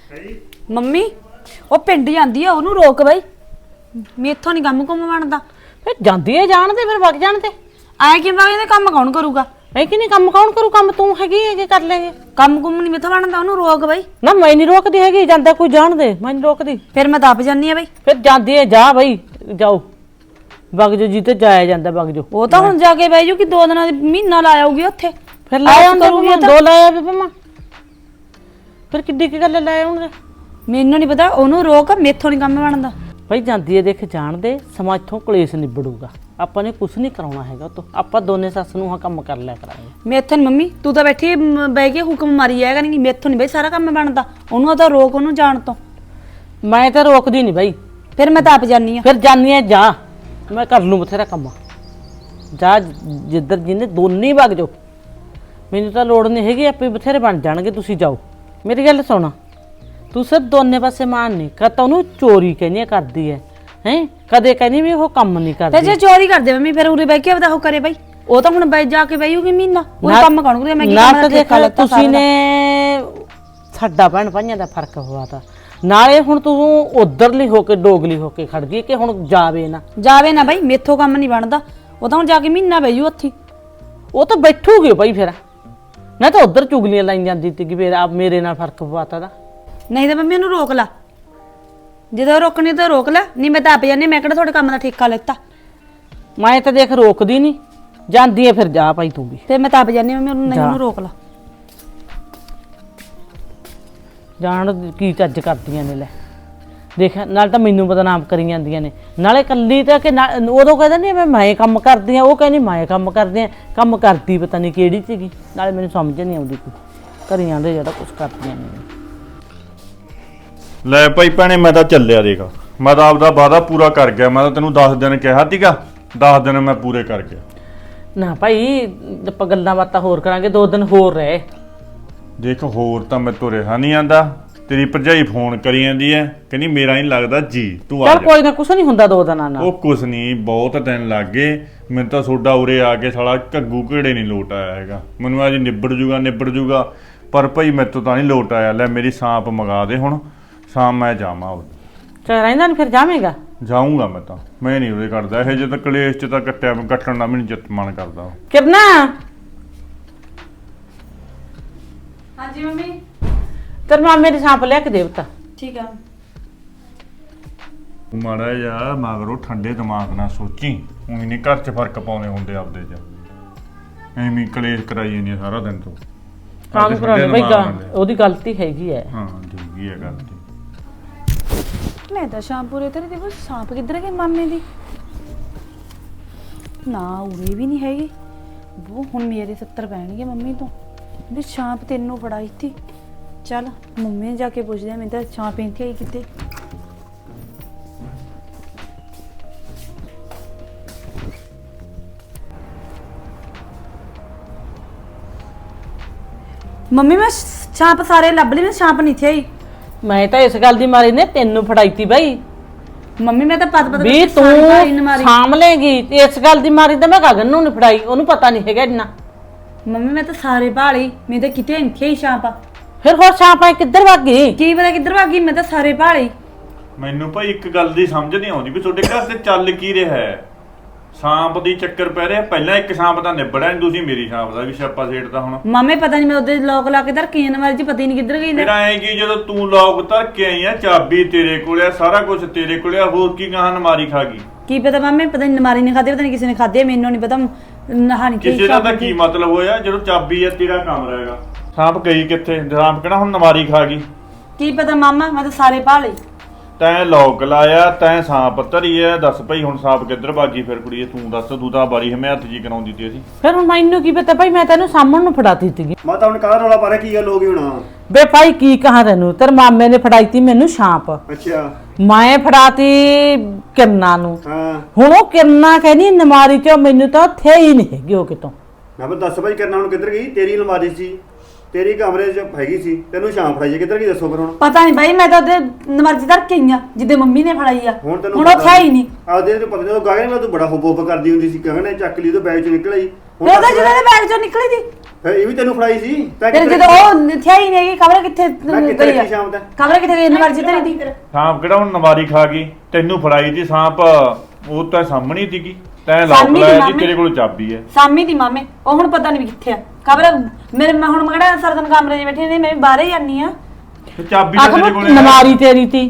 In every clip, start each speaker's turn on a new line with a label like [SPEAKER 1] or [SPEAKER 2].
[SPEAKER 1] Mummy ਉਹ ਪਿੰਡ ਜਾਂਦੀ ਆ, ਉਹਨੂੰ ਰੋਕ ਬਈ। ਮੇਥੋਂ ਨਹੀਂ ਕੰਮ ਕੁੰਮ ਬਣਦਾ।
[SPEAKER 2] ਫਿਰ ਜਾਂਦੀ ਹੈ ਜਾਣ ਤੇ ਫਿਰ ਵਗ ਜਾਣ ਤੇ
[SPEAKER 1] ਆਏ ਕਿ ਵਗ ਇਹਦੇ ਕੰਮ ਕੌਣ ਕਰੂਗਾ?
[SPEAKER 2] ਐ ਕਿ ਨਹੀਂ ਕੰਮ ਕੌਣ ਕਰੂ? ਕੰਮ ਤੂੰ ਹੈਗੀ ਹੈ ਕਿ ਕਰ ਲੇਗੇ?
[SPEAKER 1] ਕੰਮ ਕੁੰਮ ਨਹੀਂ ਮੇਥੋਂ ਬਣਦਾ, ਉਹਨੂੰ ਰੋਕ ਬਈ।
[SPEAKER 2] ਨਾ ਮੈਂ ਨਹੀਂ ਰੋਕਦੀ ਹੈਗੀ, ਜਾਂਦਾ ਕੋਈ ਜਾਣ ਦੇ, ਮੈਂ ਨਹੀਂ ਰੋਕਦੀ।
[SPEAKER 1] ਫਿਰ ਮੈਂ ਦੱਬ ਜਾਨੀ ਆ ਬਈ।
[SPEAKER 2] ਫਿਰ ਜਾਂਦੀ ਹੈ ਜਾ ਬਈ, ਜਾਓ ਵਗ ਜੋ, ਜਿੱਤੇ ਜਾਇਆ ਜਾਂਦਾ ਵਗ ਜੋ।
[SPEAKER 1] ਉਹ ਤਾਂ ਹੁਣ ਜਾ ਕੇ ਬਈ ਜੋ ਕਿ 2 ਦਿਨਾਂ ਦੀ ਮਹੀਨਾ ਲਾ ਆਊਗੀ ਉੱਥੇ।
[SPEAKER 2] ਫਿਰ ਲਾਇਆ ਕਰੂਗੀ, 2 ਲਾਇਆ ਵੀ ਪਮਾ, ਫਿਰ ਕਿੱਡੀ ਕੀ ਗੱਲ ਲਾਇਆ ਹੁਣ?
[SPEAKER 1] ਮੈਨੂੰ ਨਹੀਂ ਪਤਾ, ਉਹਨੂੰ ਰੋਕ, ਮੇਥੋਂ ਨਹੀਂ ਕੰਮ ਬਣਦਾ।
[SPEAKER 2] ਭਾਈ ਜਾਂਦੀ ਹੈ, ਦੇਖ ਜਾਣ ਦੇ, ਸਮਾਂ ਇੱਥੋਂ ਕਲੇਸ਼ ਨਿਬੜੂਗਾ। ਆਪਾਂ ਨੇ ਕੁਝ ਨਹੀਂ ਕਰਾਉਣਾ ਹੈਗਾ ਤੋ, ਆਪਾਂ ਦੋਨੇ ਸੱਸ ਨੂੰ ਹਾਂ ਕੰਮ ਕਰ ਲਿਆ ਕਰਾਂਗੇ।
[SPEAKER 1] ਮੇਥੋਂ ਨੀ ਮੰਮੀ, ਤੂੰ ਤਾਂ ਬੈਠੀ ਬਹਿ ਕੇ ਹੁਕਮ ਮਾਰੀ ਜਾਏਗਾ ਨਹੀਂ, ਮੇਥੋਂ ਨਹੀਂ ਬਈ ਸਾਰਾ ਕੰਮ ਬਣਦਾ। ਉਹਨੂੰ ਤਾਂ ਰੋਕ, ਉਹਨੂੰ ਜਾਣ ਤੋਂ।
[SPEAKER 2] ਮੈਂ ਤਾਂ ਰੋਕਦੀ ਨਹੀਂ ਬਾਈ।
[SPEAKER 1] ਫਿਰ ਮੈਂ ਦੱਬ ਜਾਨੀ ਆ।
[SPEAKER 2] ਫਿਰ ਜਾਨੀ ਹੈ ਜਾ, ਮੈਂ ਕਰ ਲੂੰ ਬਥੇਰਾ ਕੰਮ। ਜਾ ਜਿੱਧਰ ਜਿਹਨੇ ਦੋਨੇ ਵਗ ਜਾਓ, ਮੈਨੂੰ ਤਾਂ ਲੋੜ ਨਹੀਂ ਹੈਗੀ, ਆਪੇ ਬਥੇਰੇ ਬਣ ਜਾਣਗੇ, ਤੁਸੀਂ ਜਾਓ। ਮੇਰੀ ਗੱਲ ਸੁਣਾ, ਤੂੰ ਸਿਰ ਦੋਨੇ ਪਾਸੇ ਮਾਨ ਨਹੀਂ ਕਰਤਾ। ਉਹਨੂੰ ਚੋਰੀ ਕਹਿੰਦੀ ਕਰਦੀ ਹੈ, ਕਦੇ ਕਹਿੰਦੀ ਵੀ ਉਹ ਕੰਮ ਨਹੀਂ ਕਰਦੀ।
[SPEAKER 1] ਫਿਰ ਜੇ ਚੋਰੀ ਕਰਦੇ ਮੰਮੀ, ਫਿਰ ਉਰੇ ਬਹਿ ਕੇ ਆਪਦਾ ਉਹ ਕਰੇ ਬਈ। ਉਹ ਤਾਂ ਹੁਣ ਬੈ ਜਾ ਕੇ ਬਈਊਗੀ ਮਹੀਨਾ, ਉਹ ਕੰਮ ਕੌਣ ਕਰੇ? ਮੈਂ ਕੀ ਕੰਮ
[SPEAKER 2] ਦੇਖਾ ਲੈ, ਤੁਸੀਂ ਨੇ ਸਾਡਾ ਭੈਣ ਭਾਈਆਂ ਦਾ ਫਰਕ ਪਵਾਤਾ। ਨਾਲੇ ਹੁਣ ਤੂੰ ਉਧਰਲੀ ਹੋ ਕੇ ਡੋਗਲੀ ਹੋ ਕੇ ਖੜ ਗਈ ਕਿ ਹੁਣ ਜਾਵੇ ਨਾ
[SPEAKER 1] ਬਈ, ਮੇਥੋਂ ਕੰਮ ਨਹੀਂ ਬਣਦਾ। ਉਹ ਤਾਂ ਹੁਣ ਜਾ ਕੇ ਮਹੀਨਾ ਬਈਊ ਉੱਥੇ।
[SPEAKER 2] ਉਹ ਤਾਂ ਬੈਠੂਗੀ ਬਈ, ਫਿਰ ਮੈਂ ਤਾਂ ਉਧਰ ਚੁਗਲੀਆਂ ਲਾਈ ਜਾਂਦੀ ਸੀ ਕਿ ਫਿਰ ਆਪ ਮੇਰੇ ਨਾਲ ਫਰਕ ਪਵਾਤਾ ਦਾ।
[SPEAKER 1] ਨਹੀਂ ਤਾਂ ਮੰਮੀ ਉਹਨੂੰ ਰੋਕ ਲਾ, ਜਦੋਂ ਰੋਕਣੀ ਤਾਂ ਰੋਕ ਲੈ, ਨਹੀਂ ਮੈਂ ਤਾਂ ਆਪ ਜਾਨੀ। ਮੈਂ ਕਿਹੜਾ ਤੁਹਾਡੇ ਕੰਮ ਦਾ ਠੇਕਾ ਲੈਤਾ?
[SPEAKER 2] ਮੈਂ ਤਾਂ ਦੇਖ ਰੋਕਦੀ ਨਹੀਂ, ਜਾਂਦੀ ਹੈ ਫਿਰ ਜਾ ਭਾਈ ਤੂੰ ਵੀ।
[SPEAKER 1] ਫਿਰ ਮੈਂ ਤਾਂ ਆਪ ਜਾਨੀ ਮੰਮੀ, ਉਹਨੂੰ ਨਹੀਂ, ਉਹਨੂੰ ਰੋਕ ਲਾ।
[SPEAKER 2] ਜਾਣ ਕੀ ਚੱਜ ਕਰਦੀਆਂ ਨੇ, ਲੈ ਦੇਖ, ਨਾਲ ਤਾਂ ਮੈਨੂੰ ਬਦਨਾਮ ਕਰੀ ਜਾਂਦੀਆਂ ਨੇ, ਨਾਲੇ ਕੱਲੀ ਤਾਂ ਕਿ ਉਦੋਂ ਕਹਿੰਦਾ ਨਹੀਂ ਮੈਂ ਕੰਮ ਕਰਦੀ ਆ, ਉਹ ਕਹਿੰਦੀ ਮੈਂ ਕੰਮ ਕਰਦੀ ਆ। ਕੰਮ ਕਰਦੀ ਪਤਾ ਨਹੀਂ ਕਿਹੜੀ ਸੀਗੀ, ਨਾਲੇ ਮੈਨੂੰ ਸਮਝ ਨਹੀਂ ਆਉਂਦੀ ਕੋਈ ਕਰੀ ਜਾਂਦੇ ਜਿਹੜਾ ਕੁਛ ਕਰਦੀਆਂ ਨੇ।
[SPEAKER 3] ਲੈ ਭਾਈ ਭੈਣੇ, ਮੈਂ ਤਾਂ ਚੱਲਿਆ, ਦੇਖ ਮੈਂ ਤਾਂ ਆਪਦਾ ਵਾਅਦਾ ਪੂਰਾ ਕਰ ਗਿਆ। ਮੈਂ ਤਾਂ ਤੈਨੂੰ 10 ਦਿਨ ਕਿਹਾ ਸੀਗਾ, 10 ਦਿਨ ਮੈਂ ਪੂਰੇ ਕਰ ਗਿਆ।
[SPEAKER 2] ਨਾ ਭਾਈ, ਆਪਾਂ ਗੱਲਾਂ ਬਾਤਾਂ ਹੋਰ ਕਰਾਂਗੇ, 2 ਦਿਨ ਹੋਰ ਰਹਿ।
[SPEAKER 3] ਦੇਖ ਹੋਰ ਤਾਂ ਮੈਂ ਤੋਂ ਰਿਹਾ ਨਹੀਂ ਆਂਦਾ। ਤੇਰੀ ਭਰਜਾਈ ਫੋਨ ਕਰੀ ਜਾਂਦੀ ਐ, ਕਹਿੰਦੀ ਮੇਰਾ ਨਹੀਂ ਲੱਗਦਾ ਜੀ, ਤੂੰ ਆ
[SPEAKER 2] ਚੱਲ
[SPEAKER 3] ਜਾ।
[SPEAKER 2] ਕੋਈ ਨਾ, ਕੁਛ ਨਹੀਂ ਹੁੰਦਾ 2 ਦਿਨਾਂ ਨਾਲ।
[SPEAKER 3] ਉਹ ਕੁਛ ਨਹੀਂ, ਬਹੁਤ ਦਿਨ ਲੱਗ ਗਏ ਮੈਨੂੰ ਤਾਂ। ਸੋਡਾ ਉਰੇ ਆ ਕੇ ਸਾਲਾ ਘੱਗੂ ਘੇੜੇ ਨਹੀਂ ਲੋਟ ਆਇਆ ਹੈਗਾ। ਮੈਨੂੰ ਅੱਜ ਨਿਬੜ ਜੂਗਾ, ਪਰ ਭਾਈ ਮੈਥੋਂ ਤਾਂ ਨਹੀਂ ਲੋਟ ਆਇਆ। ਲੈ ਮੇਰੀ ਸਾਂਪ ਮੰਗਾ ਦੇ ਹੁਣ, ਸ਼ਾਮ ਮੈਂ ਜਾਵਾਂ।
[SPEAKER 2] ਚੱਲ ਰਹਿੰਦਾ ਨਹੀਂ, ਫਿਰ ਜਾਵੇਂਗਾ?
[SPEAKER 3] ਜਾਊਂਗਾ ਮੈਂ ਤਾਂ, ਮੈਂ ਨਹੀਂ ਉਰੇ ਕੱਢਦਾ ਇਹ ਜੇ ਤਾਂ ਕਲੇਸ਼ ਚ ਤਾਂ ਕੱਟਣ ਦਾ ਮੈਨੂੰ ਜਿੱਤ ਮਨ ਕਰਦਾ।
[SPEAKER 2] ਕਿਰਨਾ।
[SPEAKER 1] ਹਾਂਜੀ ਮੰਮੀ।
[SPEAKER 2] ਤੇਰੇ ਮਾਮੇ ਦੀ ਸਾਂਪ ਲਿਆ ਕੇ ਦੇਵਤਾ।
[SPEAKER 1] ਠੀਕ ਆ।
[SPEAKER 3] ਮਾੜਾ ਜਿਹਾ ਮਗਰੋਂ ਠੰਡੇ ਦਿਮਾਗ ਨਾਲ ਸੋਚੀ, ਉਹੀ ਨਹੀਂ ਘਰ 'ਚ ਫਰਕ ਪਾਉਣੇ ਹੁੰਦੇ ਆਪਦੇ 'ਚ। ਐਵੇਂ ਕਲੇਸ਼ ਕਰਾਈ ਜਾਂਦੀ ਸਾਰਾ ਦਿਨ ਤੋਂ।
[SPEAKER 2] ਕੰਮ ਕਰਾਉਣੇ ਬਈ, ਉਹਦੀ ਗਲਤੀ ਹੈਗੀ ਹੈ।
[SPEAKER 3] ਹਾਂ ਠੀਕ ਹੈ ਗਲਤੀ।
[SPEAKER 1] ਮੈਂ ਤਾਂ ਸ਼ਾਮਪੁਰੇ ਤੇਰੇ ਦੇਖੋ, ਸਾਂਪ ਕਿੱਧਰ ਗਈ ਮਾਮੇ ਦੀ? ਨਾ ਉਰੇ ਵੀ ਨਹੀਂ ਹੈਗੀ। ਉਹ ਹੁਣ ਮੇਰੇ 70 ਪੈਣਗੇ ਮੰਮੀ ਤੋਂ ਵੀ ਸਾਂਪ ਤੈਨੂੰ ਫੜਾਈ ਸੀ। ਚੱਲ ਮੰਮੀ ਨੇ ਜਾ ਕੇ ਪੁੱਛਦੇ ਆ, ਮੈਂ ਤਾਂ ਸਾਂਪ ਇੱਥੇ ਆਈ ਕਿਤੇ। ਮੰਮੀ ਮੈਂ ਸਾਂਪ ਸਾਰੇ ਲੱਭ ਲਈ, ਮੈਂ ਸਾਂਪ ਨਹੀਂ ਥੇ ਆਈ।
[SPEAKER 2] ਮੈਂ ਤਾਂ ਇਸ ਗੱਲ ਦੀ ਮਾਰੀ ਨੇ ਤੈਨੂੰ ਫੜਾਈਤੀ ਬਾਈ।
[SPEAKER 1] ਮੰਮੀ ਮੈਂ ਤਾਂ ਪਤ
[SPEAKER 2] ਵੀ ਤੂੰ ਸਾਂਭ ਲੇਗੀ, ਤੇ ਇਸ ਗੱਲ ਦੀ ਮਾਰੀ ਤਾਂ ਮੈਂ ਗਗਨ ਨੂੰ ਨਹੀਂ ਫੜਾਈ, ਉਹਨੂੰ ਪਤਾ ਨਹੀਂ ਹੈਗਾ ਇੰਨਾ।
[SPEAKER 1] ਮੰਮੀ ਮੈਂ ਤਾਂ ਸਾਰੇ ਭਾਲੀ, ਮੈਂ ਤਾਂ ਕਿਤੇ ਇੱਥੇ ਹੀ ਸਾਂਪ ਆ।
[SPEAKER 2] ਫਿਰ ਹੋਰ ਸਾਂਪ ਕਿੱਧਰ ਭੱਗ ਗਈ?
[SPEAKER 1] ਕੀ ਪਤਾ ਕਿੱਧਰ ਭੱਗ ਗਈ, ਮੈਂ ਤਾਂ ਸਾਰੇ ਭਾਲੀ।
[SPEAKER 3] ਮੈਨੂੰ ਭਾਈ ਇੱਕ ਗੱਲ ਦੀ ਸਮਝ ਨਹੀਂ ਆਉਂਦੀ ਵੀ ਤੁਹਾਡੇ ਘਰ ਤੇ ਚੱਲ ਕੀ ਰਿਹਾ ਹੈ। ਸਾਂਪ ਦੀ ਚੱਕਰ ਪੈ ਰਿਹਾ, ਪਹਿਲਾਂ ਇੱਕ ਸਾਂਪ ਦਾ ਨਿਬੜਿਆ, ਤੁਸੀਂ ਮੇਰੀ ਸਾਂਪ ਦਾ ਵੀ ਛਾਪਾ ਛੇੜਦਾ ਹੁਣ।
[SPEAKER 1] ਮਾਮੇ ਪਤਾ ਨਹੀਂ ਮੈਂ ਉਹਦੇ ਲੋਕ ਲਾ ਕੇ ਧਰ ਕੇ ਨਵਾਰੀ ਚ ਪਤਾ ਹੀ ਨਹੀਂ ਕਿੱਧਰ ਗਈ।
[SPEAKER 3] ਫਿਰ ਐਂ ਕਿ ਜਦੋਂ ਤੂੰ ਲੋਕ ਧਰ ਕੇ ਆਈ ਆ, ਚਾਬੀ ਤੇਰੇ ਕੋਲ ਆ, ਸਾਰਾ ਕੁਝ ਤੇਰੇ ਕੋਲ ਆ, ਹੋਰ ਕੀ ਗਾਹਾਂ ਨਮਾਰੀ ਖਾ ਗਈ?
[SPEAKER 1] ਕੀ ਪਤਾ ਮਾਮੇ, ਪਤਾ ਨਹੀਂ ਨਮਾਰੀ ਨੇ ਖਾਦੇ, ਪਤਾ ਨਹੀਂ ਕਿਸੇ ਨੇ ਖਾਦੇ, ਮੈਨੂੰ ਨਹੀਂ ਪਤਾ। ਨਹਾਣੀ
[SPEAKER 3] ਕਿਸੇ ਦਾ ਤਾਂ ਕੀ ਮਤਲਬ ਹੋਇਆ ਜਦੋਂ ਚਾਬੀ ਆ, ਤੇਰਾ ਕਮਰਾ ਹੈਗਾ। ਸਾਂਪ ਗਈ ਕਿੱਥੇ? ਸਾਂਪ ਕਿਹੜਾ ਹੁਣ ਨਮਾਰੀ ਖਾ ਗਈ?
[SPEAKER 1] ਕੀ ਪਤਾ ਮਾਮਾ, ਮੈਂ ਤਾਂ ਸਾਰੇ ਭਾਲੀ।
[SPEAKER 3] ਤੈਂ ਲੋਕ ਲਾਇਆ, ਤੈਂ ਸਾਂਪ ਧਰੀ ਐ, ਦੱਸ ਭਾਈ ਹੁਣ ਸਾਂਪ ਕਿੱਧਰ ਭਾਗੀ? ਫਿਰ ਕੁੜੀਏ ਤੂੰ ਦੱਸ, ਤੂੰ ਤਾਂ ਬਾਰੀ ਹਮਿਆਤ ਜੀ ਕਰਾਉਂਦੀ ਤੀ ਅਸੀਂ।
[SPEAKER 2] ਫਿਰ ਹੁਣ ਮੈਨੂੰ ਕੀ ਪਤਾ ਭਾਈ, ਮੈਂ ਤੈਨੂੰ ਸਾਹਮਣ ਨੂੰ ਫੜਾਤੀ ਸੀਗੀ।
[SPEAKER 4] ਮੈਂ ਤਾਂ ਹੁਣ ਕਾਹਦਾ ਰੌਲਾ ਪਾ ਰਿਹਾ, ਕੀ ਗੱਲ ਹੋ ਗਈ ਹੁਣ?
[SPEAKER 2] ਬੇ ਭਾਈ ਕੀ ਕਹਾਂ ਤੈਨੂੰ, ਤੇਰੇ ਮਾਮੇ ਨੇ ਫੜਾਈਤੀ ਮੈਨੂੰ ਸਾਂਪ,
[SPEAKER 4] ਅੱਛਾ
[SPEAKER 2] ਮੈਂ ਫੜਾਤੀ ਕਿਰਨਾ ਨੂੰ।
[SPEAKER 4] ਹਾਂ
[SPEAKER 2] ਹੁਣ ਉਹ ਕਿਰਨਾ ਕਹਿੰਦੀ ਨਮਾਰੀ ਚ, ਮੈਨੂੰ ਤਾਂ ਥੇ ਹੀ ਨਹੀਂ ਹੈਗੀ ਉਹ ਕਿਤੋਂ।
[SPEAKER 4] ਮੈਂ ਕਿਹਾ ਦੱਸ ਭਾਈ ਕਰਨਾ ਹੁਣ ਕਿੱਧਰ ਗਈ? ਤੇਰੀ ਅਲਮਾਰੀ ਸੀ, ਤੇਰੀ ਕਮਰੇ 'ਚ ਹੈਗੀ ਸੀ, ਤੈਨੂੰ ਸ਼ਾਮ ਫੜਾਈ ਕਿੱਧਰ ਗਈ ਦੱਸੋ ਫਿਰ ਹੁਣ?
[SPEAKER 1] ਪਤਾ ਨਹੀਂ ਬਾਈ, ਮੈਂ ਤਾਂ ਉਹਦੇ ਨਮਾਰੀ ਚ ਧਰ ਕੇ ਆਈ ਆ ਜਿੱਦੇ ਮੰਮੀ ਨੇ ਫੜਾਈ ਆ।
[SPEAKER 4] ਹੁਣ
[SPEAKER 1] ਉਹ ਹੈ ਹੀ ਨਹੀਂ।
[SPEAKER 4] ਆਦੇ ਤੇ ਪਤਾ ਨਹੀਂ, ਉਹ ਗਾਗਨ ਨਾਲ ਤੂੰ ਬੜਾ ਹੁਬ ਕਰਦੀ ਹੁੰਦੀ ਸੀ, ਗਗਨ ਨੇ ਚੱਕ ਲਈ ਉਹਦੇ ਬੈਗ 'ਚ ਨਿਕਲ ਆਈ।
[SPEAKER 1] ਉਹਦਾ ਜਿਹਦੇ ਬੈਗ ਚੋਂ ਨਿਕਲੀ ਸੀ,
[SPEAKER 4] ਫਿਰ ਇਹ ਵੀ ਤੈਨੂੰ ਫੜਾਈ ਸੀ ਤੈਂ
[SPEAKER 1] ਫਿਰ
[SPEAKER 4] ਕਿੱਥੇ
[SPEAKER 1] ਜਦੋਂ ਉਹ ਥਿਆ ਹੀ ਨਹੀਂ ਖਬਰ ਕਿੱਥੇ
[SPEAKER 4] ਮੈਂ ਕਿੱਥੇ
[SPEAKER 1] ਗਈ ਆ
[SPEAKER 4] ਰੱਖੀ ਸ਼ਾਮ ਤੱਕ
[SPEAKER 1] ਖਬਰ ਕਿੱਥੇ ਗਈ ਨਵਾਰ ਜਿੱਤੇ ਨਹੀਂ ਦੀ
[SPEAKER 3] ਸਾਂਪ ਕਿਹੜਾ ਹੁਣ ਨਵਾਰੀ ਖਾ ਗਈ ਤੈਨੂੰ ਫੜਾਈ ਸੀ ਸਾਂਪ ਉਹ ਤਾਂ ਸਾਹਮਣੇ ਸੀਗੀ ਤੈਂ ਲੋਕ
[SPEAKER 1] ਸਾਹਮਣੇ
[SPEAKER 3] ਲਾਇਆ
[SPEAKER 1] ਦੀ
[SPEAKER 3] ਜੀ
[SPEAKER 1] ਮਾਮੇ।
[SPEAKER 3] ਤੇਰੇ ਕੋਲ ਚਾਬੀ ਹੈ
[SPEAKER 1] ਸਾਮੀ ਦੀ ਮਾਮੇ ਉਹ ਹੁਣ ਪਤਾ ਨਹੀਂ ਵੀ ਕਿੱਥੇ ਆ ਖਬਰ ਮੇਰੇ ਮੈਂ ਹੁਣ ਮਗੜਾ ਸਰਦਨ ਕਮਰੇ 'ਚ ਬੈਠੇ ਨੇ ਮੈਂ ਵੀ ਬਾਹਰ ਹੀ ਜਾਨੀ ਆ
[SPEAKER 3] ਤੇ ਚਾਬੀ ਤਾਂ ਤੇਰੇ
[SPEAKER 2] ਆਖਰ
[SPEAKER 3] ਕੋਲ
[SPEAKER 2] ਨਮਾਰੀ ਤੇਰੀ ਤੀ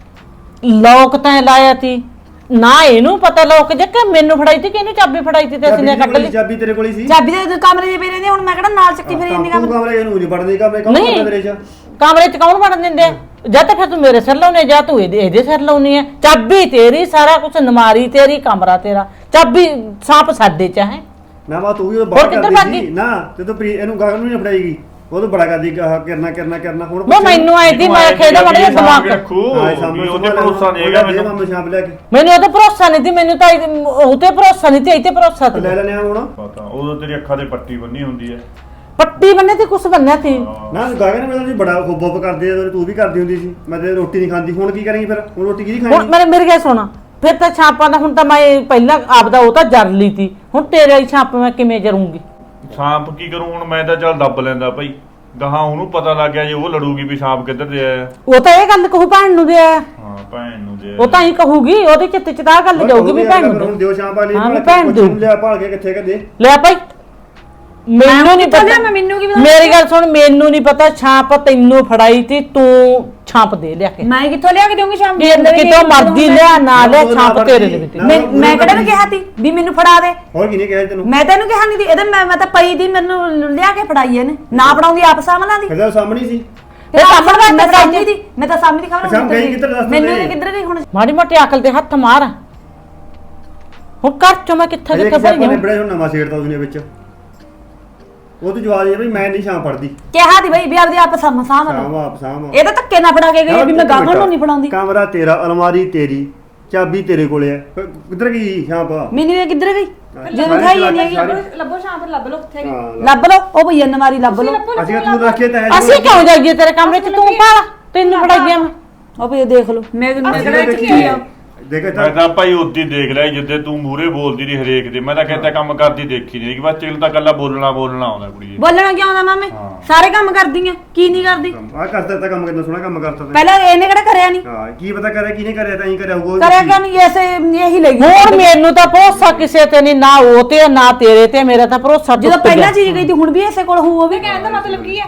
[SPEAKER 2] ਲੋਕ ਤੈਂ ਲਾਇਆ ਤੀ ਨਾ ਇਹਨੂੰ ਪਤਾ ਲੋਕ ਜੇ ਕਿ ਮੈਨੂੰ ਫੜਾਈ ਤੀ ਕਿ ਇਹਨੂੰ ਚਾਬੀ ਫੜਾਈ ਤੀ ਤੇ ਅਸੀਂ ਕੱਢ ਲਈ
[SPEAKER 4] ਚਾਬੀ ਤੇਰੇ ਕੋਲ ਹੀ ਸੀ
[SPEAKER 1] ਚਾਬੀ ਦੇ ਕਮਰੇ 'ਚ ਪਈ ਰਹਿੰਦੀ ਹੁਣ ਮੈਂ ਕਿਹੜਾ ਨਾਲ ਚੱਕੀ ਫਿਰ ਇੰਨੀ
[SPEAKER 4] ਤੂੰ
[SPEAKER 1] ਕਮਰੇ
[SPEAKER 4] ਕਮਰੇ ਇਹਨੂੰ ਨਹੀਂ ਵੜਦੀ ਕਮਰੇ ਕੌਣ
[SPEAKER 2] ਨਹੀਂ।
[SPEAKER 4] ਕਰਦਾ ਤੇਰੇ ਚ
[SPEAKER 2] ਕਮਰੇ 'ਚ ਕੌਣ ਵੜਨ ਦਿੰਦੇ ਆ? ਜਾਂ ਤਾਂ ਫਿਰ ਤੂੰ ਮੇਰੇ ਸਿਰ ਲਾਉਨੇ ਜਾਂ ਤੂੰ ਇਹਦੇ ਸਿਰ ਲਾਉਣੀ ਹੈ ਚਾਬੀ ਤੇਰੀ ਸਾਰਾ ਕੁਝ ਨਮਾਰੀ ਤੇਰੀ ਕਮਰਾ ਤੇਰਾ ਚਾਬੀ ਸਾਂਪ ਸਾਡੇ ਚ ਹੈ
[SPEAKER 4] ਨਾ ਮਾ ਤੂੰ ਵੀ ਉਹ
[SPEAKER 2] ਹੋਰ
[SPEAKER 4] ਬਾਹਰ
[SPEAKER 2] ਕਿੱਧਰ
[SPEAKER 4] ਕਰਦੀ
[SPEAKER 2] ਭੱਜ
[SPEAKER 4] ਸੀ
[SPEAKER 2] ਗਈ?
[SPEAKER 4] ਨਾ ਤੇ ਤੂੰ ਇਹਨੂੰ ਗਾਗਨ ਨੂੰ ਨਹੀਂ ਫੜਾਈਗੀ ਉਹ ਤਾਂ ਬੜਾ ਕਰਦੀ ਕਰਨਾ ਹੁਣ
[SPEAKER 2] ਉਹ ਮੈਨੂੰ ਆਈ ਤੀ ਮੈਂ ਖੇਦਾ ਮੜ ਜਾ ਦਿਮਾਗ
[SPEAKER 3] ਰੱਖੂ
[SPEAKER 4] ਹਾਂ ਸਾਹਮਣੇ
[SPEAKER 3] ਉਹਦੇ ਭਰੋਸਾ ਨਹੀਂ ਹੈਗਾ ਮੈਨੂੰ
[SPEAKER 4] ਮਾਮੇ ਸ਼ਾਮ ਲੈ ਕੇ
[SPEAKER 2] ਮੈਨੂੰ ਉਹਦਾ ਭਰੋਸਾ ਨਹੀਂ ਤੀ ਮੈਨੂੰ ਤਾਂ ਉਹ ਤੇ ਭਰੋਸਾ ਨਹੀਂ ਤੀ ਇਹ ਤੇ ਭਰੋਸਾ ਤੀ
[SPEAKER 4] ਲੈ ਲੈਣੇ ਆ ਹੁਣ
[SPEAKER 3] ਪਤਾ ਉਦੋਂ ਤੇਰੀ ਅੱਖਾਂ ਤੇ ਪੱਟੀ ਬੰਨੀ ਹੁੰਦੀ ਹੈ
[SPEAKER 2] ਪੱਟੀ ਬੰਨੇ ਤੇ ਕੁਛ ਬੰਨਿਆ ਤੀ
[SPEAKER 4] ਨਾ ਗਾਗਨ ਮੇਰੇ ਨਾਲ ਬੜਾ ਖੁੱਬ ਕਰਦੇ ਆ ਤੂੰ ਵੀ ਕਰਦੀ ਹੁੰਦੀ ਸੀ ਮੈਂ ਤੇ ਰੋਟੀ ਨਹੀਂ ਖਾਂਦੀ ਹੁਣ ਕੀ ਕਰਾਂਗੀ ਫਿਰ ਹੁਣ ਰੋਟੀ ਕਿਹਦੀ
[SPEAKER 2] ਹੁਣ
[SPEAKER 4] ਖਾਣੀ
[SPEAKER 2] ਮੇਰੇ ਗੱਲ ਸੁਣਾ ਫਿਰ ਤਾਂ ਛਾਪਾਂ ਦਾ ਹੁਣ ਤਾਂ ਮੈਂ ਪਹਿਲਾਂ ਆਪਦਾ ਉਹ ਤਾਂ ਜਰ ਲਈ ਤੀ ਹੁਣ ਤੇਰੇ ਹੀ ਛਾਪ ਮੈਂ ਕਿਵੇਂ ਜਰੂੰਗੀ
[SPEAKER 3] ਸਾਂਪ ਕੀ ਕਰੂੰ ਹੁਣ ਮੈਂ ਤਾਂ ਚੱਲ ਦੱਬ ਲੈਂਦਾ ਭਾਈ ਗਾਹਾਂ ਉਹਨੂੰ ਪਤਾ ਲੱਗ ਗਿਆ ਜੇ ਉਹ ਲੜੂਗੀ ਵੀ ਸਾਂਪ ਕਿੱਧਰ ਦੇ ਆਇਆ
[SPEAKER 2] ਉਹ ਤਾਂ ਇਹ ਗੱਲ ਕਹੂ ਭੈਣ ਨੂੰ ਦੇ ਆਇਆ
[SPEAKER 3] ਹਾਂ ਭੈਣ ਨੂੰ ਦੇ
[SPEAKER 2] ਉਹ ਤਾਂ ਹੀ ਕਹੂਗੀ ਉਹਦੇ ਚਿੱਤ ਚ ਤਾਂ ਆਹ ਗੱਲ ਜਾਊਗੀ ਵੀ ਭੈਣ ਨੂੰ
[SPEAKER 4] ਹੁਣ ਦਿਓ ਸ਼ਾਮ ਵਾਲੀ
[SPEAKER 2] ਹਾਂ, ਵੀ ਭੈਣ ਦਿਓ।
[SPEAKER 4] ਲਿਆ ਭਾਲ ਕੇ ਕਿੱਥੇ ਕਦੇ
[SPEAKER 2] ਲੈ ਭਾਈ ਮੈਨੂੰ ਨਹੀਂ
[SPEAKER 1] ਕਿੱਥੋਂ ਲਿਆ
[SPEAKER 2] ਪਤਾ
[SPEAKER 1] ਮੈਂ ਮੈਨੂੰ ਕੀ ਪਤਾ
[SPEAKER 2] ਮੇਰੀ ਗੱਲ ਸੁਣ ਮੈਨੂੰ ਨਹੀਂ ਪਤਾ ਛਾਪ ਤੈਨੂੰ ਫੜਾਈ ਤੀ ਤੂੰ ਛਾਪ ਦੇ ਲਿਆ ਕੇ
[SPEAKER 1] ਮੈਂ ਕਿੱਥੋਂ ਲਿਆ ਕੇ ਦੇਵਾਂਗੀ ਸ਼ਾਮ
[SPEAKER 2] ਕਿਤੋਂ ਮਰਜ਼ੀ ਲਿਆ ਨਾ ਲਿਆ ਛਾਪ ਤੇਰੇ ਦੇ ਵਿੱਚ
[SPEAKER 1] ਮੈਂ ਕਿਹੜਾ ਨੂੰ ਕਿਹਾ ਤੀ ਵੀ ਮੈਨੂੰ ਫੜਾ ਦੇ
[SPEAKER 4] ਹੋਰ ਕਿਹਨੇ ਕਿਹਾ ਤੈਨੂੰ
[SPEAKER 1] ਮੈਂ ਤੈਨੂੰ ਕਿਹਾ ਨਹੀਂ ਦੀ ਇਹਦੇ ਮੈਂ ਤਾਂ ਪਈ ਦੀ ਮੈਨੂੰ ਲਿਆ ਕੇ ਫੜਾਈ ਇਹਨੇ ਨਾ ਫੜਾਉਂਦੀ ਆਪ ਸਾਹਮਣਾ ਦੀ
[SPEAKER 4] ਕਦੇ ਸਾਹਮਣੇ ਸੀ
[SPEAKER 2] ਤੇ ਸਾਹਮਣੇ ਵਾਸਤੇ
[SPEAKER 1] ਮੈਂ
[SPEAKER 2] ਫੜਾਈ
[SPEAKER 1] ਸਾਹਮਣੇ ਦੀ ਮੈਂ ਤਾਂ ਸਾਹਮਣੇ ਦੀ ਖਬਰ
[SPEAKER 4] ਅੱਛਾ, ਗਈ ਕਿੱਧਰ ਦੱਸ
[SPEAKER 1] ਮੈਨੂੰ
[SPEAKER 4] ਦੇ।
[SPEAKER 1] ਵੀ ਕਿੱਧਰ ਗਈ ਹੁਣ
[SPEAKER 2] ਮਾੜੀ ਮੋਟੀ ਅਕਲ ਤੇ ਹੱਥ ਮਾਰ ਹੁਣ ਘਰ ਚੋਂ ਮੈਂ ਕਿੱਥੇ
[SPEAKER 4] ਅਜੇ
[SPEAKER 2] ਕਿੱਥੇ
[SPEAKER 4] ਕਿਸੇ
[SPEAKER 2] ਭਰੀ
[SPEAKER 4] ਨੇ ਬੜੇ ਹੁਣ ਨਵਾਂ ਛੇੜਦਾ ਉਹਨੇ ਵਿੱਚ ਉਹ ਤੋਂ ਜਵਾਬ ਇਹ ਵੀ ਮੈਂ ਨਹੀਂ ਸ਼ਾਮ ਫੜਦੀ
[SPEAKER 1] ਕਿਹਾ ਦੀ ਬਈ ਵੀ ਆਪਦੀ ਆਪ ਸਾਹਮ
[SPEAKER 4] ਸ਼ਾਮ ਆਪ ਸ਼ਾਮ
[SPEAKER 1] ਇਹ ਤਾਂ ਧੱਕੇ ਨਾ ਫੜਾ ਕੇ ਗਈ ਆ ਵੀ ਮੈਂ ਗਾਗਣ ਨੂੰ ਨਹੀਂ ਫੜਾਉਂਦੀ
[SPEAKER 4] ਕਮਰਾ ਤੇਰਾ ਅਲਮਾਰੀ ਤੇਰੀ ਚਾਬੀ ਤੇਰੇ ਕੋਲੇ ਹੈ ਕਿੱਧਰ ਗਈ ਸ਼ਾਮ ਪਾ
[SPEAKER 1] ਮੈਨੂੰ ਇਹ ਕਿੱਧਰ ਗਈ ਜਦੋਂ
[SPEAKER 4] ਸਾਰੀ
[SPEAKER 1] ਖਾਈ
[SPEAKER 4] ਚਲਾਕੀ
[SPEAKER 1] ਨਹੀਂ
[SPEAKER 4] ਸਾਰੀ।
[SPEAKER 5] ਲੱਭੋ ਸ਼ਾਮ ਫਿਰ ਲੱਭ ਲਓ ਕਿੱਥੇ ਗਈ
[SPEAKER 1] ਲੱਭ ਲਓ ਉਹ ਭਈਆ ਨਵਾਰੀ ਲੱਭ ਲਓ
[SPEAKER 4] ਅਸੀਂ ਕਿਹਾ ਤੂੰ ਰੱਖੇ ਤਾਂ
[SPEAKER 2] ਅਸੀਂ ਕਿਉਂ ਜਾਈਏ ਤੇਰੇ ਕਮਰੇ 'ਚ ਤੂੰ ਪਾਲਾ ਤੈਨੂੰ ਫੜਾਈਏ ਮੈਂ
[SPEAKER 1] ਉਹ ਭਈਆ ਦੇਖ ਲਓ ਮੈਂ ਕਿਹੜਾ ਕੀ ਆ
[SPEAKER 4] ਦੇਖ
[SPEAKER 3] ਮੈਂ ਤਾਂ ਭਾਈ ਉੱਦੀ ਦੇਖ ਲਿਆ ਜਿੱਦੇ ਤੂੰ ਮੂਰੇ ਬੋਲਦੀ ਰਹੀ ਹਰੇਕ ਦੇ ਮੈਂ ਤਾਂ ਕਹਿੰਦਾ ਕੰਮ ਕਰਦੀ ਦੇਖੀ ਨਹੀਂ ਕਿ ਬਸ ਚਿਲ ਤਾਂ ਕੱਲਾ ਬੋਲਣਾ ਆਉਂਦਾ ਕੁੜੀ ਜੀ
[SPEAKER 1] ਬੋਲਣਾ ਕਿਉਂ ਆਉਂਦਾ ਮਾਮੇ ਸਾਰੇ ਕੰਮ ਕਰਦੀ ਆ ਕੀ ਨਹੀਂ ਕਰਦੀ
[SPEAKER 4] ਆ ਕਰਦਾ ਤਾਂ ਕੰਮ ਕਿੰਨਾ ਸੋਹਣਾ ਕੰਮ ਕਰਦਾ ਤਾਂ
[SPEAKER 1] ਪਹਿਲਾਂ ਇਹਨੇ ਕਿਹੜਾ ਕਰਿਆ ਨਹੀਂ
[SPEAKER 4] ਹਾਂ ਕੀ ਪਤਾ ਕਰਿਆ ਕਿਹਨੇ ਕਰਿਆ ਤਾਂ ਹੀ ਕਰਿਆ ਹੋਊਗਾ
[SPEAKER 1] ਕਰਿਆ ਕਿਉਂ ਨਹੀਂ ਐਸੇ ਇਹੀ ਲੱਗੀ
[SPEAKER 2] ਹੋਰ ਮੈਨੂੰ ਤਾਂ ਭਰੋਸਾ ਕਿਸੇ ਤੇ ਨਹੀਂ ਨਾ ਉਹ ਤੇ ਨਾ ਤੇਰੇ ਤੇ ਮੇਰਾ ਤਾਂ ਭਰੋਸਾ
[SPEAKER 1] ਜਦੋਂ
[SPEAKER 2] ਟੁੱਟ ਗਿਆ।
[SPEAKER 1] ਪਹਿਲਾਂ ਚੀਜ਼ ਗਈ ਤੀ ਹੁਣ ਵੀ ਐਸੇ ਕੋਲ ਹੋਊ ਉਹ ਵੀ
[SPEAKER 5] ਕਹਿਣ ਦਾ ਮਤਲਬ ਕੀ ਹੈ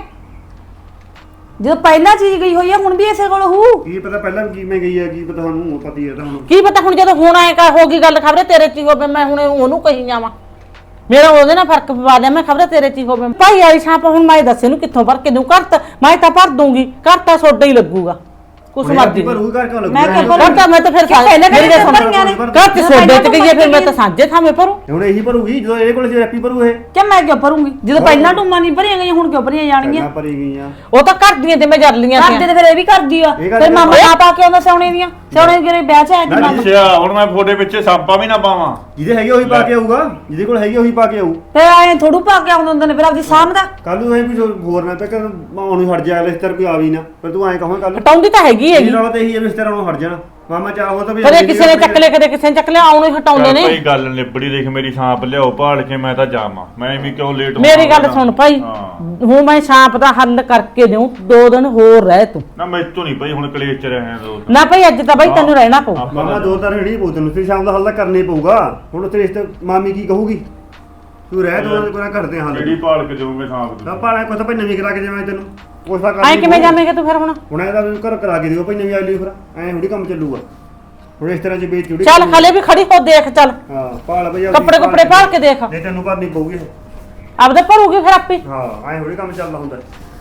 [SPEAKER 1] ਜਦੋਂ ਪਹਿਲਾਂ ਚੀਜ਼ ਗਈ ਹੋਈ ਆ ਹੁਣ ਵੀ ਐਸੇ ਕੋਲ ਹੋਊ
[SPEAKER 4] ਕੀ ਪਤਾ ਪਹਿਲਾਂ ਵੀ ਕਿਵੇਂ ਗਈ ਹੈ ਕੀ ਪਤਾ ਸਾਨੂੰ ਪਤਾ ਹੀ ਹੈ ਤਾਂ ਹੁਣ
[SPEAKER 2] ਕੀ ਪਤਾ ਹੁਣ ਜਦੋਂ ਹੁਣ ਆਏ ਕਾ ਹੋ ਗਈ ਗੱਲ ਖਬਰੇ ਤੇਰੇ ਚ ਹੀ ਹੋਵੇ ਮੈਂ ਹੁਣ ਉਹਨੂੰ ਕਹੀ ਜਾਵਾਂ ਮੇਰਾ ਉਹਦੇ ਨਾਲ ਫਰਕ ਪਵਾ ਲਿਆ ਮੈਂ ਖਬਰੇ ਤੇਰੇ ਚ ਹੀ ਹੋਵੇ ਭਾਈ ਵਾਲੀ ਛਾਪ ਹੁਣ ਮੈਂ ਦੱਸੇ ਨੂੰ ਕਿੱਥੋਂ ਭਰ ਕੇ ਦੂੰ ਮੈਂ ਤਾਂ ਭਰ ਦੂੰਗੀ ਘਰ ਤਾਂ ਸੋਡਾ ਹੀ ਲੱਗੂਗਾ ਕੁਛ ਮਰਦੀ
[SPEAKER 4] ਪਰ ਉਹ ਘਰ ਕਿਉਂ ਲੱਗੂ
[SPEAKER 1] ਮੈਂ ਕਿਹਾ
[SPEAKER 2] ਘਰ ਤਾਂ ਮੈਂ ਤਾਂ ਫਿਰ
[SPEAKER 1] ਪਹਿਲਾਂ
[SPEAKER 2] ਮੇਰੀ ਗੱਲ ਸੁਣ
[SPEAKER 1] ਭਰੀਆਂ ਨੇ।
[SPEAKER 2] ਘਰ ਤੇ ਸੋਡੇ ਚ ਗਈ ਫਿਰ ਮੈਂ ਤਾਂ ਸਾਂਝੇ ਥਾਵੇਂ ਭਰੂ
[SPEAKER 4] ਹੁਣ ਇਹੀ ਭਰੂਗੀ ਜਦੋਂ ਇਹਦੇ ਕੋਲ ਜੇ ਐਪੀ ਭਰੂ ਇਹ
[SPEAKER 1] ਕਿ ਮੈਂ ਕਿਉਂ ਭਰੂੰਗੀ ਜਦੋਂ ਪਹਿਲਾਂ ਟੂਮਾਂ ਨਹੀਂ ਭਰੀਆਂ ਗਈਆਂ ਹੁਣ ਕਿਉਂ ਭਰੀਆਂ ਜਾਣਗੀਆਂ
[SPEAKER 4] ਨਾ ਭਰੀ ਗਈਆਂ
[SPEAKER 2] ਉਹ ਤਾਂ ਘਰ ਦੀਆਂ ਤੇ ਮੈਂ ਜਰ ਲੀਆਂ
[SPEAKER 1] ਕਰਦੇ ਤੇ ਫਿਰ ਇਹ ਵੀ ਕਰਦੀ ਆ
[SPEAKER 4] ਇਹ ਗੱਲ
[SPEAKER 1] ਫਿਰ ਮਾਮਾ
[SPEAKER 4] ਕਰ-
[SPEAKER 1] ਆਪ ਆ ਕੇ ਆਉਂਦਾ ਸੋਨੇ ਦੀਆਂ ਸੋਨੇ ਦੇ ਵਿਆਹ ਚ ਆਇਆ
[SPEAKER 4] ਨਾ,
[SPEAKER 1] ਸੀ
[SPEAKER 3] ਅੱਛਾ ਹੁਣ ਮੈਂ ਫੋਟੇ ਪਿੱਛੇ ਸਾਂਪਾ ਵੀ ਨਾ ਪਾਵਾਂ
[SPEAKER 4] ਜਿਹਦੇ ਹੈਗੇ ਉਹੀ ਪਾ ਕੇ ਆਊਗਾ ਜਿਹਦੇ ਕੋਲ ਹੈਗੇ ਉਹੀ ਪਾ ਕੇ ਆਊ
[SPEAKER 1] ਫਿਰ ਆਏ ਥੋੜੂ ਪਾ ਕੇ ਆਉਂਦੇ ਹੁੰਦੇ ਨੇ ਫਿਰ ਆਪਦੀ ਸਾਹਮਣਾ
[SPEAKER 4] ਕੱਲ ਨੂੰ ਇਹ ਕੁਝ ਹੋਰ ਨਾ ਪੈ ਕਰ ਮਾਂ ਨੂੰ ਹਟ ਜਾ ਇਸ ਤਰ੍ਹਾਂ ਕੋਈ ਆ ਵੀ ਨਾ ਫਿਰ ਤੂੰ ਐਂ ਕਹਾਂ ਕੱਲ
[SPEAKER 2] ਹਟਾਉਂਦੀ ਤਾਂ ਹੈਗੀ
[SPEAKER 4] ਇਹ
[SPEAKER 2] ਹੈਗੀ
[SPEAKER 4] ਨਾਲ ਤਾਂ ਇਹੀ ਹੈ ਵੀ ਇਸ ਤਰ੍ਹਾਂ ਨੂੰ ਹਟ ਜਾਣਾ ਮਾਮਾ ਚਾਹੋ ਤਾਂ ਵੀ
[SPEAKER 2] ਕਦੇ ਕਿਸੇ ਨੇ ਚੱਕ ਲਿਆ ਕਦੇ ਕਿਸੇ ਨੇ ਚੱਕ ਲਿਆ ਆਉਣੋਂ ਹੀ ਹਟਾਉਂਦੇ ਨੇ
[SPEAKER 3] ਭਾਈ ਗੱਲ ਨਿਬੜੀ ਦੇਖ ਮੇਰੀ ਸਾਂਪ ਲਿਆਓ ਭਾਲ ਕੇ ਮੈਂ ਤਾਂ ਜਾਵਾਂ ਮੈਂ ਵੀ ਕਿਉਂ ਲੇਟ
[SPEAKER 2] ਮੇਰੀ ਗੱਲ ਸੁਣ ਭਾਈ
[SPEAKER 3] ਹਾਂ।
[SPEAKER 2] ਹੁਣ ਮੈਂ ਛਾਪ ਦਾ ਹੱਲ ਕਰਕੇ ਦੇਉ 2 ਦਿਨ ਹੋਰ ਰਹਿ ਤੂੰ
[SPEAKER 3] ਨਾ ਮੈਂ ਤੋਂ ਨਹੀਂ ਭਾਈ ਹੁਣ ਕਲੇਸ਼ ਚ ਰਹੇ ਦੋ
[SPEAKER 2] ਨਾ ਭਾਈ ਅੱਜ ਤਾਂ ਭਾਈ ਤੈਨੂੰ ਰਹਿਣਾ ਪਊ
[SPEAKER 4] ਮਾਮਾ ਦੋ ਤਾਂ ਰੇੜੀ ਪਊ ਤੈਨੂੰ ਫਿਰ ਸ਼ਾਮ ਦਾ ਹੱਲ ਤਾਂ ਕਰਨਾ ਹੀ ਪਊਗਾ ਹੁਣ ਤੇਰੇ ਰਿਸ਼ਤੇ ਮਾਮੀ ਕੀ ਕਹੂਗੀ ਤੂੰ ਰਹਿ ਦੋ ਕੋਈ ਨਾ ਕਰਦੇ ਹਾਂ
[SPEAKER 3] ਜਿਹੜੀ
[SPEAKER 4] ਹੱਲ
[SPEAKER 3] ਭਾਲ ਕੇ ਦੇਵਾਂਗੇ ਸਾਂਪ
[SPEAKER 4] ਤਾਂ
[SPEAKER 3] ਦੀ
[SPEAKER 4] ਭਾਲਾ ਕੋਈ ਤਾਂ ਭਾਈ ਨਵੀਂ ਕਰਾ ਕੇ ਜਾਵਾਂ ਤੈਨੂੰ ਉਸ ਦਾ
[SPEAKER 2] ਐ ਕਿਵੇਂ ਜਾਵੇਂਗਾ ਤੂੰ ਫਿਰ ਹੁਣ
[SPEAKER 4] ਹੁਣ ਇਹਦਾ ਵੀ ਘਰ ਕਰਾ ਕੇ ਦਿਓ ਭਾਈ ਨਵੀਂ ਆਈ ਲਈ ਫਿਰ ਐਂ ਥੋੜੀ ਕੰਮ ਚੱਲੂਗਾ ਹੁਣ ਇਸ ਤਰ੍ਹਾਂ ਚ ਵੇਚ ਜੁੜੀ
[SPEAKER 2] ਚੱਲ ਹਲੇ ਵੀ ਖੜੀ ਹੋ ਦੇਖ ਚੱਲ
[SPEAKER 4] ਹਾਂ ਭਾਲ ਭਈਆ
[SPEAKER 2] ਕੱਪੜੇ ਕੁੱਪੜੇ ਭਾਲ ਕੇ ਦੇਖ
[SPEAKER 4] ਜੇ ਤੈਨੂੰ ਭਰਨੀ ਪਊਗੀ
[SPEAKER 2] ਆਪਦੇ ਭਰੂਗੀ ਫਿਰ ਆਪੇ
[SPEAKER 4] ਹਾਂ ਐਂ ਥੋੜੀ ਕੰਮ ਚੱਲਦਾ ਹੁੰਦਾ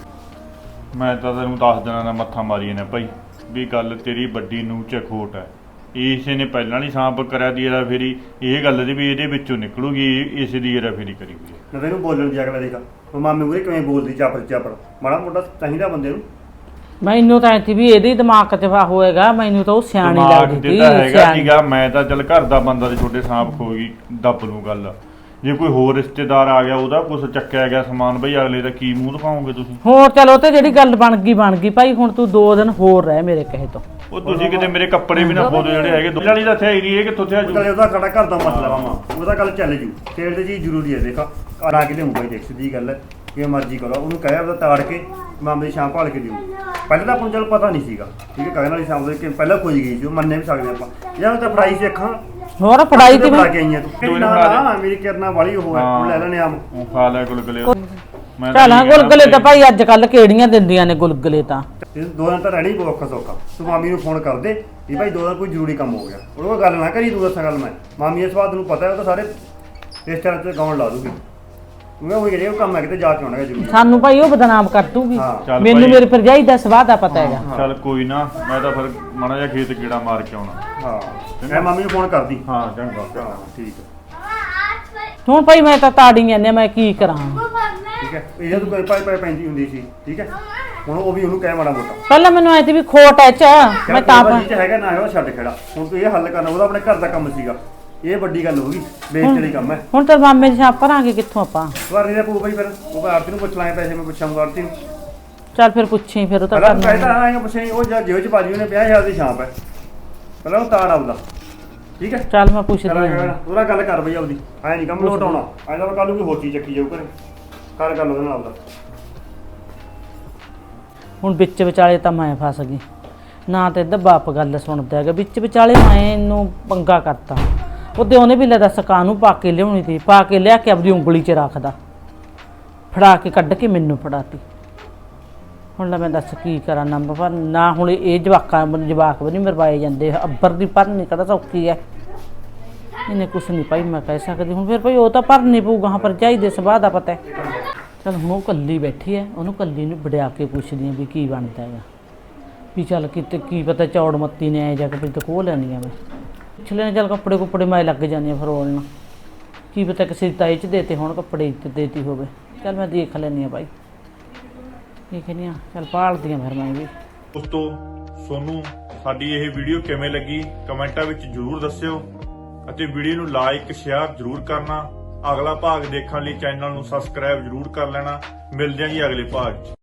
[SPEAKER 3] ਮੈਂ ਤਾਂ ਤੈਨੂੰ 10 ਦਿਨਾਂ ਦਾ ਮੱਥਾ ਮਾਰੀ ਨੇ ਭਾਈ ਵੀ ਗੱਲ ਤੇਰੀ ਵੱਡੀ ਨੂੰ ਚ ਖੋਟ ਹੈ ਇਸੇ ਨੇ ਪਹਿਲਾਂ ਨਹੀਂ ਸਾਂਪ ਕਰਿਆ ਦੀ ਇਹਦਾ ਫੇਰੀ ਇਹ ਗੱਲ ਦੀ ਵੀ ਇਹਦੇ ਵਿੱਚੋਂ ਨਿਕਲੂਗੀ ਇਸ ਦੀ ਇਹਦਾ ਫੇਰੀ ਕਰੀ ਹੋਈ ਹੈ
[SPEAKER 4] ਨਾ ਤੈਨੂੰ ਬੋਲਣ ਦੀ ਅਗਲਾ ਦੇਖਾ ਉਹ ਮਾਮੇ ਮੂਰੇ ਕਿਵੇਂ ਬੋਲਦੀ ਚਾਪਰ ਮਾੜਾ ਮੋਟਾ ਚਾਹੀਦਾ ਬੰਦੇ ਨੂੰ
[SPEAKER 2] ਮੈਨੂੰ ਤਾਂ ਐਂ ਵੀ ਇਹਦੇ ਦਿਮਾਗ 'ਚ ਹੋਏਗਾ ਮੈਨੂੰ ਤਾਂ ਉਹ ਸਿਆਣੀ
[SPEAKER 3] ਦਿਮਾਗ
[SPEAKER 2] ਲੱਗਦੀ
[SPEAKER 3] ਤੇ ਤਾਂ ਹੈਗਾ
[SPEAKER 2] ਸਿਆਣੀ
[SPEAKER 3] ਸੀਗਾ ਮੈਂ ਤਾਂ ਚੱਲ ਘਰ ਦਾ ਬੰਦਾ ਤੇ ਛੋਟੇ ਸਾਂਪ ਖੋ ਗਈ ਦੱਬ ਨੂੰ ਗੱਲ ਜੇ ਕੋਈ ਹੋਰ ਰਿਸ਼ਤੇਦਾਰ ਆ ਗਿਆ ਉਹਦਾ ਕੁਝ ਚੱਕਿਆ ਗਿਆ ਸਮਾਨ ਬਈ ਅਗਲੇ ਦਾ ਕੀ ਮੂੰਹ ਦਿਖਾਓਗੇ ਤੁਸੀਂ
[SPEAKER 2] ਹੋਰ ਚਲੋ ਤੇ ਜਿਹੜੀ ਗੱਲ ਬਣ ਗਈ ਭਾਈ ਹੁਣ ਤੂੰ 2 ਦਿਨ ਹੋਰ ਰਹਿ ਮੇਰੇ ਕਹੇ ਤੋਂ
[SPEAKER 3] ਉਹ ਤੁਸੀਂ ਕਿਤੇ ਮੇਰੇ ਕੱਪੜੇ ਵੀ ਨਾ ਖੋਦੋ ਜਿਹੜੇ ਹੈਗੇ ਦੁੱਲੀ ਦਾ ਥਿਆ ਹੀ ਨਹੀਂ ਇਹ ਕਿੱਥੋਂ ਥਿਆ ਜੂ
[SPEAKER 4] ਉਹਦਾ ਉਹਦਾ ਸਾਡਾ ਘਰ ਦਾ ਮਸਲਾ ਮਾਮਾ ਉਹਦਾ ਗੱਲ ਚੱਲ ਜੂ ਤੇਲ ਦੀ ਚੀਜ਼ ਜ਼ਰੂਰੀ ਹੈ ਦੇਖਾ ਆ ਕੇ ਲਿਆਉਂਗਾ ਦੇਖ ਸਿੱਧੀ ਗੱਲ ਹੈ ਜਿਵੇਂ ਮਰਜ਼ੀ ਕਰੋ, ਉਹਨੂੰ ਕਹਿਆ ਉਹਦਾ ਤਾੜ ਕੇ ਮਾਮੇ ਦੀ ਸ਼ਾਮ ਭਾਲ ਕੇ ਦਿਓ। ਪਹਿਲਾਂ ਤਾਂ ਆਪਾਂ ਨੂੰ ਚਲ ਪਤਾ ਨਹੀਂ ਸੀਗਾ, ਠੀਕ ਹੈ, ਕਹਿਣ ਵਾਲੀ ਸ਼ਾਮ ਦੇ ਕਿ ਪਹਿਲਾਂ ਖੋਜ ਗਈ ਸੀ, ਉਹ ਮੰਨੇ ਵੀ ਸਕਦੇ ਆਪਾਂ, ਜਾਂ ਤਾਂ ਫੜਾਈ ਸੀ ਅੱਖਾਂ
[SPEAKER 2] ਹੋਰ ਫੜਾਈ ਤੇ
[SPEAKER 4] ਫੜਾ ਕੇ ਆਈਆਂ ਤੂੰ ਕਹਿੰਦੀ ਨਾ ਮੇਰੀ ਕਿਰਨਾ ਵਾਲੀ ਉਹ ਹੈ, ਉਹ ਲੈ ਲੈਣੇ ਆਮ।
[SPEAKER 3] ਉਹ ਖਾ ਲੈ ਗੁਲਗੁਲੇ ਮੈਂ ਤਾਂ
[SPEAKER 2] ਚੱਲ
[SPEAKER 3] ਇਹੀ ਕਹਿਣਾ
[SPEAKER 2] ਗੁਲਗੁਲੇ ਤਾਂ ਭਾਈ ਅੱਜ ਕੱਲ ਕਿਹੜੀਆਂ ਦਿੰਦੀਆਂ ਨੇ ਗੁਲਗੁਲੇ ਤਾਂ।
[SPEAKER 4] ਤੇ 2 ਦਿਨ ਤਾਂ ਰਹਿਣੀ ਪਊ ਔਖਾ ਸੌਖਾ। ਤੂੰ ਮਾਮੀ ਨੂੰ ਫੋਨ ਕਰ ਦੇ ਵੀ ਭਾਈ 2 ਦਿਨ ਕੋਈ ਜ਼ਰੂਰੀ ਕੰਮ ਹੋ ਗਿਆ, ਉਹ ਗੱਲ ਨਾ ਕਰੀ, ਤੂੰ ਦੱਸਾਂ ਗੱਲ ਮੈਂ ਮਾਮੀ ਇਸ ਬਾਤ ਨੂੰ ਪਤਾ ਹੈ, ਉਹ ਤਾਂ ਸਾਰੇ ਰਿਸ਼ਤੇਦਾਰਾਂ ਤੇ ਗਾਉਣ ਲਾ ਦੂਗੀ। ਮੈਂ ਉਹ ਜਿਹੜੇ ਉਹ ਕੰਮ ਹੈ ਕਿਤੇ ਜਾ ਕੇ ਆਉਣਾ ਹੈ ਜ਼ਰੂਰੀ।
[SPEAKER 2] ਸਾਨੂੰ ਭਾਈ ਉਹ ਬਦਨਾਮ ਕਰ ਦੂਗੀ।
[SPEAKER 4] ਹਾਂ।
[SPEAKER 3] ਚੱਲ
[SPEAKER 2] ਮੈਨੂੰ
[SPEAKER 3] ਭਾਈ।
[SPEAKER 2] ਮੇਰੀ ਭਰਜਾਈ ਦਾ ਸਵਾਹ ਦਾ ਪਤਾ ਹੈਗਾ।
[SPEAKER 3] ਚੱਲ ਕੋਈ ਨਾ, ਮੈਂ ਤਾਂ ਫਿਰ ਮਾੜਾ ਜਿਹਾ ਖੇਤ ਕੀੜਾ ਮਾਰ ਕੇ ਆਉਣਾ।
[SPEAKER 4] ਹਾਂ ਮੈਂ ਮਾਮੀ ਨੂੰ ਫੋਨ ਕਰਦੀ।
[SPEAKER 3] ਹਾਂ ਚੰਗਾ
[SPEAKER 4] ਹਾਂ ਠੀਕ ਹੈ
[SPEAKER 2] ਹੁਣ ਭਾਈ ਮੈਂ ਤਾਂ ਤਾੜੀ ਜਾਂਦੇ, ਮੈਂ ਕੀ ਕਰਾਂ।
[SPEAKER 4] ਠੀਕ ਹੈ, ਇਹ ਤੂੰ ਕੋਈ ਪਾਈ ਪੈਂਦੀ ਹੁੰਦੀ ਸੀ, ਠੀਕ ਹੈ, ਹੁਣ ਉਹ ਵੀ ਉਹਨੂੰ ਕਹਿ ਮਾੜਾ ਮੋਟਾ
[SPEAKER 2] ਪਹਿਲਾਂ ਮੈਨੂੰ ਐ ਤੇ ਵੀ ਖੋਟ ਐ ਚ ਮੈਂ ਤਾਂ
[SPEAKER 4] ਜੀ ਹੈਗਾ ਨਾ ਉਹ ਛੱਡ ਖੜਾ, ਹੁਣ ਤੂੰ ਇਹ ਹੱਲ ਕਰਨਾ, ਉਹਦਾ ਆਪਣੇ ਘਰ ਦਾ ਕੰਮ ਸੀਗਾ, ਇਹ ਵੱਡੀ ਗੱਲ ਹੋ ਗਈ, ਬੇਇੱਜ਼ਤੀ ਵਾਲੀ ਕੰਮ ਹੈ।
[SPEAKER 2] ਹੁਣ ਤਾਂ ਮਾਮੇ ਦੀ ਛਾਪ ਭਰਾਂਗੇ ਕਿੱਥੋਂ ਆਪਾਂ।
[SPEAKER 4] ਵਾਰੀ ਦਾ ਪੂ ਬਈ, ਫਿਰ ਉਹ ਆਰਤੀ ਨੂੰ ਪੁੱਛ ਲਾਂਗੇ, ਪੈਸੇ ਮੈਂ ਪੁੱਛਾਂਗਾ ਆਰਤੀ ਨੂੰ।
[SPEAKER 2] ਚੱਲ ਫਿਰ ਪੁੱਛੀ, ਫਿਰ ਉਹ ਤਾਂ
[SPEAKER 4] ਪਹਿਲਾਂ
[SPEAKER 2] ਕਰਨਾ।
[SPEAKER 4] ਕਹਿਤਾ ਆਏਗਾ ਪੁੱਛੇ, ਉਹ ਜੇਬ ਚ ਬਾਜੀ ਉਹਨੇ 50,000 ਦੀ ਛਾਪ ਹੈ, ਪਹਿਲਾਂ ਉਹ ਤਾੜ ਆਉਦਾ, ਠੀਕ ਹੈ।
[SPEAKER 2] ਚੱਲ ਮੈਂ ਪੁੱਛਦੀ
[SPEAKER 4] ਕਰਾਂ
[SPEAKER 2] ਹਾਂ।
[SPEAKER 4] ਉਹਦਾ ਗੱਲ ਕਰ ਬਈ ਆਪਦੀ, ਐ ਨਹੀਂ ਕੰਮ ਲੋਟ ਆਉਣਾ, ਐ ਤਾਂ ਕੱਲ ਨੂੰ ਕੋਈ ਹੋਰ ਚੀਜ਼ ਚੱਕੀ ਜਾਊ ਘਰੇ, ਕਰ ਗੱਲ ਉਹਦੇ ਨਾਲ ਆਪਦਾ।
[SPEAKER 2] ਹੁਣ ਵਿੱਚ ਵਿਚਾਲੇ ਤਾਂ ਮੈਂ ਫਸ ਗਈ ਨਾ, ਤੇ ਇਹਦਾ ਬਾਪ ਗੱਲ ਸੁਣਦਾ ਹੈਗਾ, ਵਿੱਚ ਵਿਚਾਲੇ ਮੈਂ ਇਹਨੂੰ ਪੰਗਾ ਕਰਤਾ। ਉਹਦੇ ਉਹਨੇ ਵੀ ਲੈ ਦੱਸ ਕਾਹਨੂੰ ਪਾ ਕੇ ਲਿਆਉਣੀ ਤੀ, ਪਾ ਕੇ ਲਿਆ ਕੇ ਆਪਦੀ ਉਂਗਲੀ 'ਚ ਰੱਖਦਾ, ਫੜਾ ਕੇ ਕੱਢ ਕੇ ਮੈਨੂੰ ਫੜਾਤੀ। ਹੁਣ ਲੈ ਮੈਂ ਦੱਸ ਕੀ ਕਰਾਂ, ਨੰਬਰ ਪਰ ਨਾ ਹੁਣ ਇਹ ਜਵਾਕ ਵੀ ਨਹੀਂ ਮਰਵਾਏ ਜਾਂਦੇ, ਅੱਬਰ ਦੀ ਭਰਨੀ ਕਿਹੜਾ ਸੌਖੀ ਹੈ, ਇਹਨੇ ਕੁਛ ਨਹੀਂ ਭਾਈ ਮੈਂ ਕਹਿ ਸਕਦੀ। ਹੁਣ ਫਿਰ ਭਾਈ ਉਹ ਤਾਂ ਭਰਨੀ ਪਊਗਾ, ਹਾਂ ਭਰਜਾਈ ਦੇ ਸੁਭਾਅ ਦਾ ਪਤਾ ਹੈ। ਚੱਲ ਹੁਣ ਉਹ ਕੱਲੀ ਬੈਠੀ ਹੈ, ਉਹਨੂੰ ਕੱਲੀ ਨੂੰ ਵੜਿਆ ਕੇ ਪੁੱਛਦੀ ਹਾਂ ਵੀ ਕੀ ਬਣਦਾ ਹੈਗਾ, ਵੀ ਚੱਲ ਕਿਤੇ ਕੀ ਪਤਾ ਚੌੜ ਮੱਤੀ ਨੇ ਆਏ ਜਾ ਕੇ ਤੇ ਖੋਹ ਲੈਣੀ ਆ ਮੈਂ ਪੁੱਛ ਲੈਣੇ। ਚੱਲ ਕੱਪੜੇ ਕੁੱਪੜੇ ਮੈਂ ਲੱਗ ਜਾਂਦੀ ਹਾਂ ਫਰੋਲਣ, ਕੀ ਪਤਾ ਕਿਸੇ ਦੀ ਤਾਈ 'ਚ ਦੇਤੇ ਹੁਣ ਕੱਪੜੇ ਤੇ ਦੇਤੀ ਹੋਵੇ। ਚੱਲ ਮੈਂ ਦੇਖ ਲੈਂਦੀ ਹਾਂ ਭਾਈ, ਕੀ ਕਹਿੰਦੀ ਹਾਂ, ਚੱਲ ਭਾਲਦੀ ਹਾਂ ਫਿਰ ਮੈਂ ਵੀ।
[SPEAKER 3] ਦੋਸਤੋ ਤੁਹਾਨੂੰ ਸਾਡੀ ਇਹ ਵੀਡੀਓ ਕਿਵੇਂ ਲੱਗੀ ਕਮੈਂਟਾਂ ਵਿੱਚ ਜ਼ਰੂਰ ਦੱਸਿਓ, ਅਤੇ ਵੀਡੀਓ ਨੂੰ ਲਾਈਕ ਸ਼ੇਅਰ ਜ਼ਰੂਰ ਕਰਨਾ। ਅਗਲਾ ਭਾਗ ਦੇਖਣ ਲਈ ਚੈਨਲ ਨੂੰ ਸਬਸਕ੍ਰਾਈਬ ਜ਼ਰੂਰ ਕਰ ਲੈਣਾ। ਮਿਲਦੇ ਹਾਂ ਜੀ ਅਗਲੇ ਭਾਗ 'ਚ।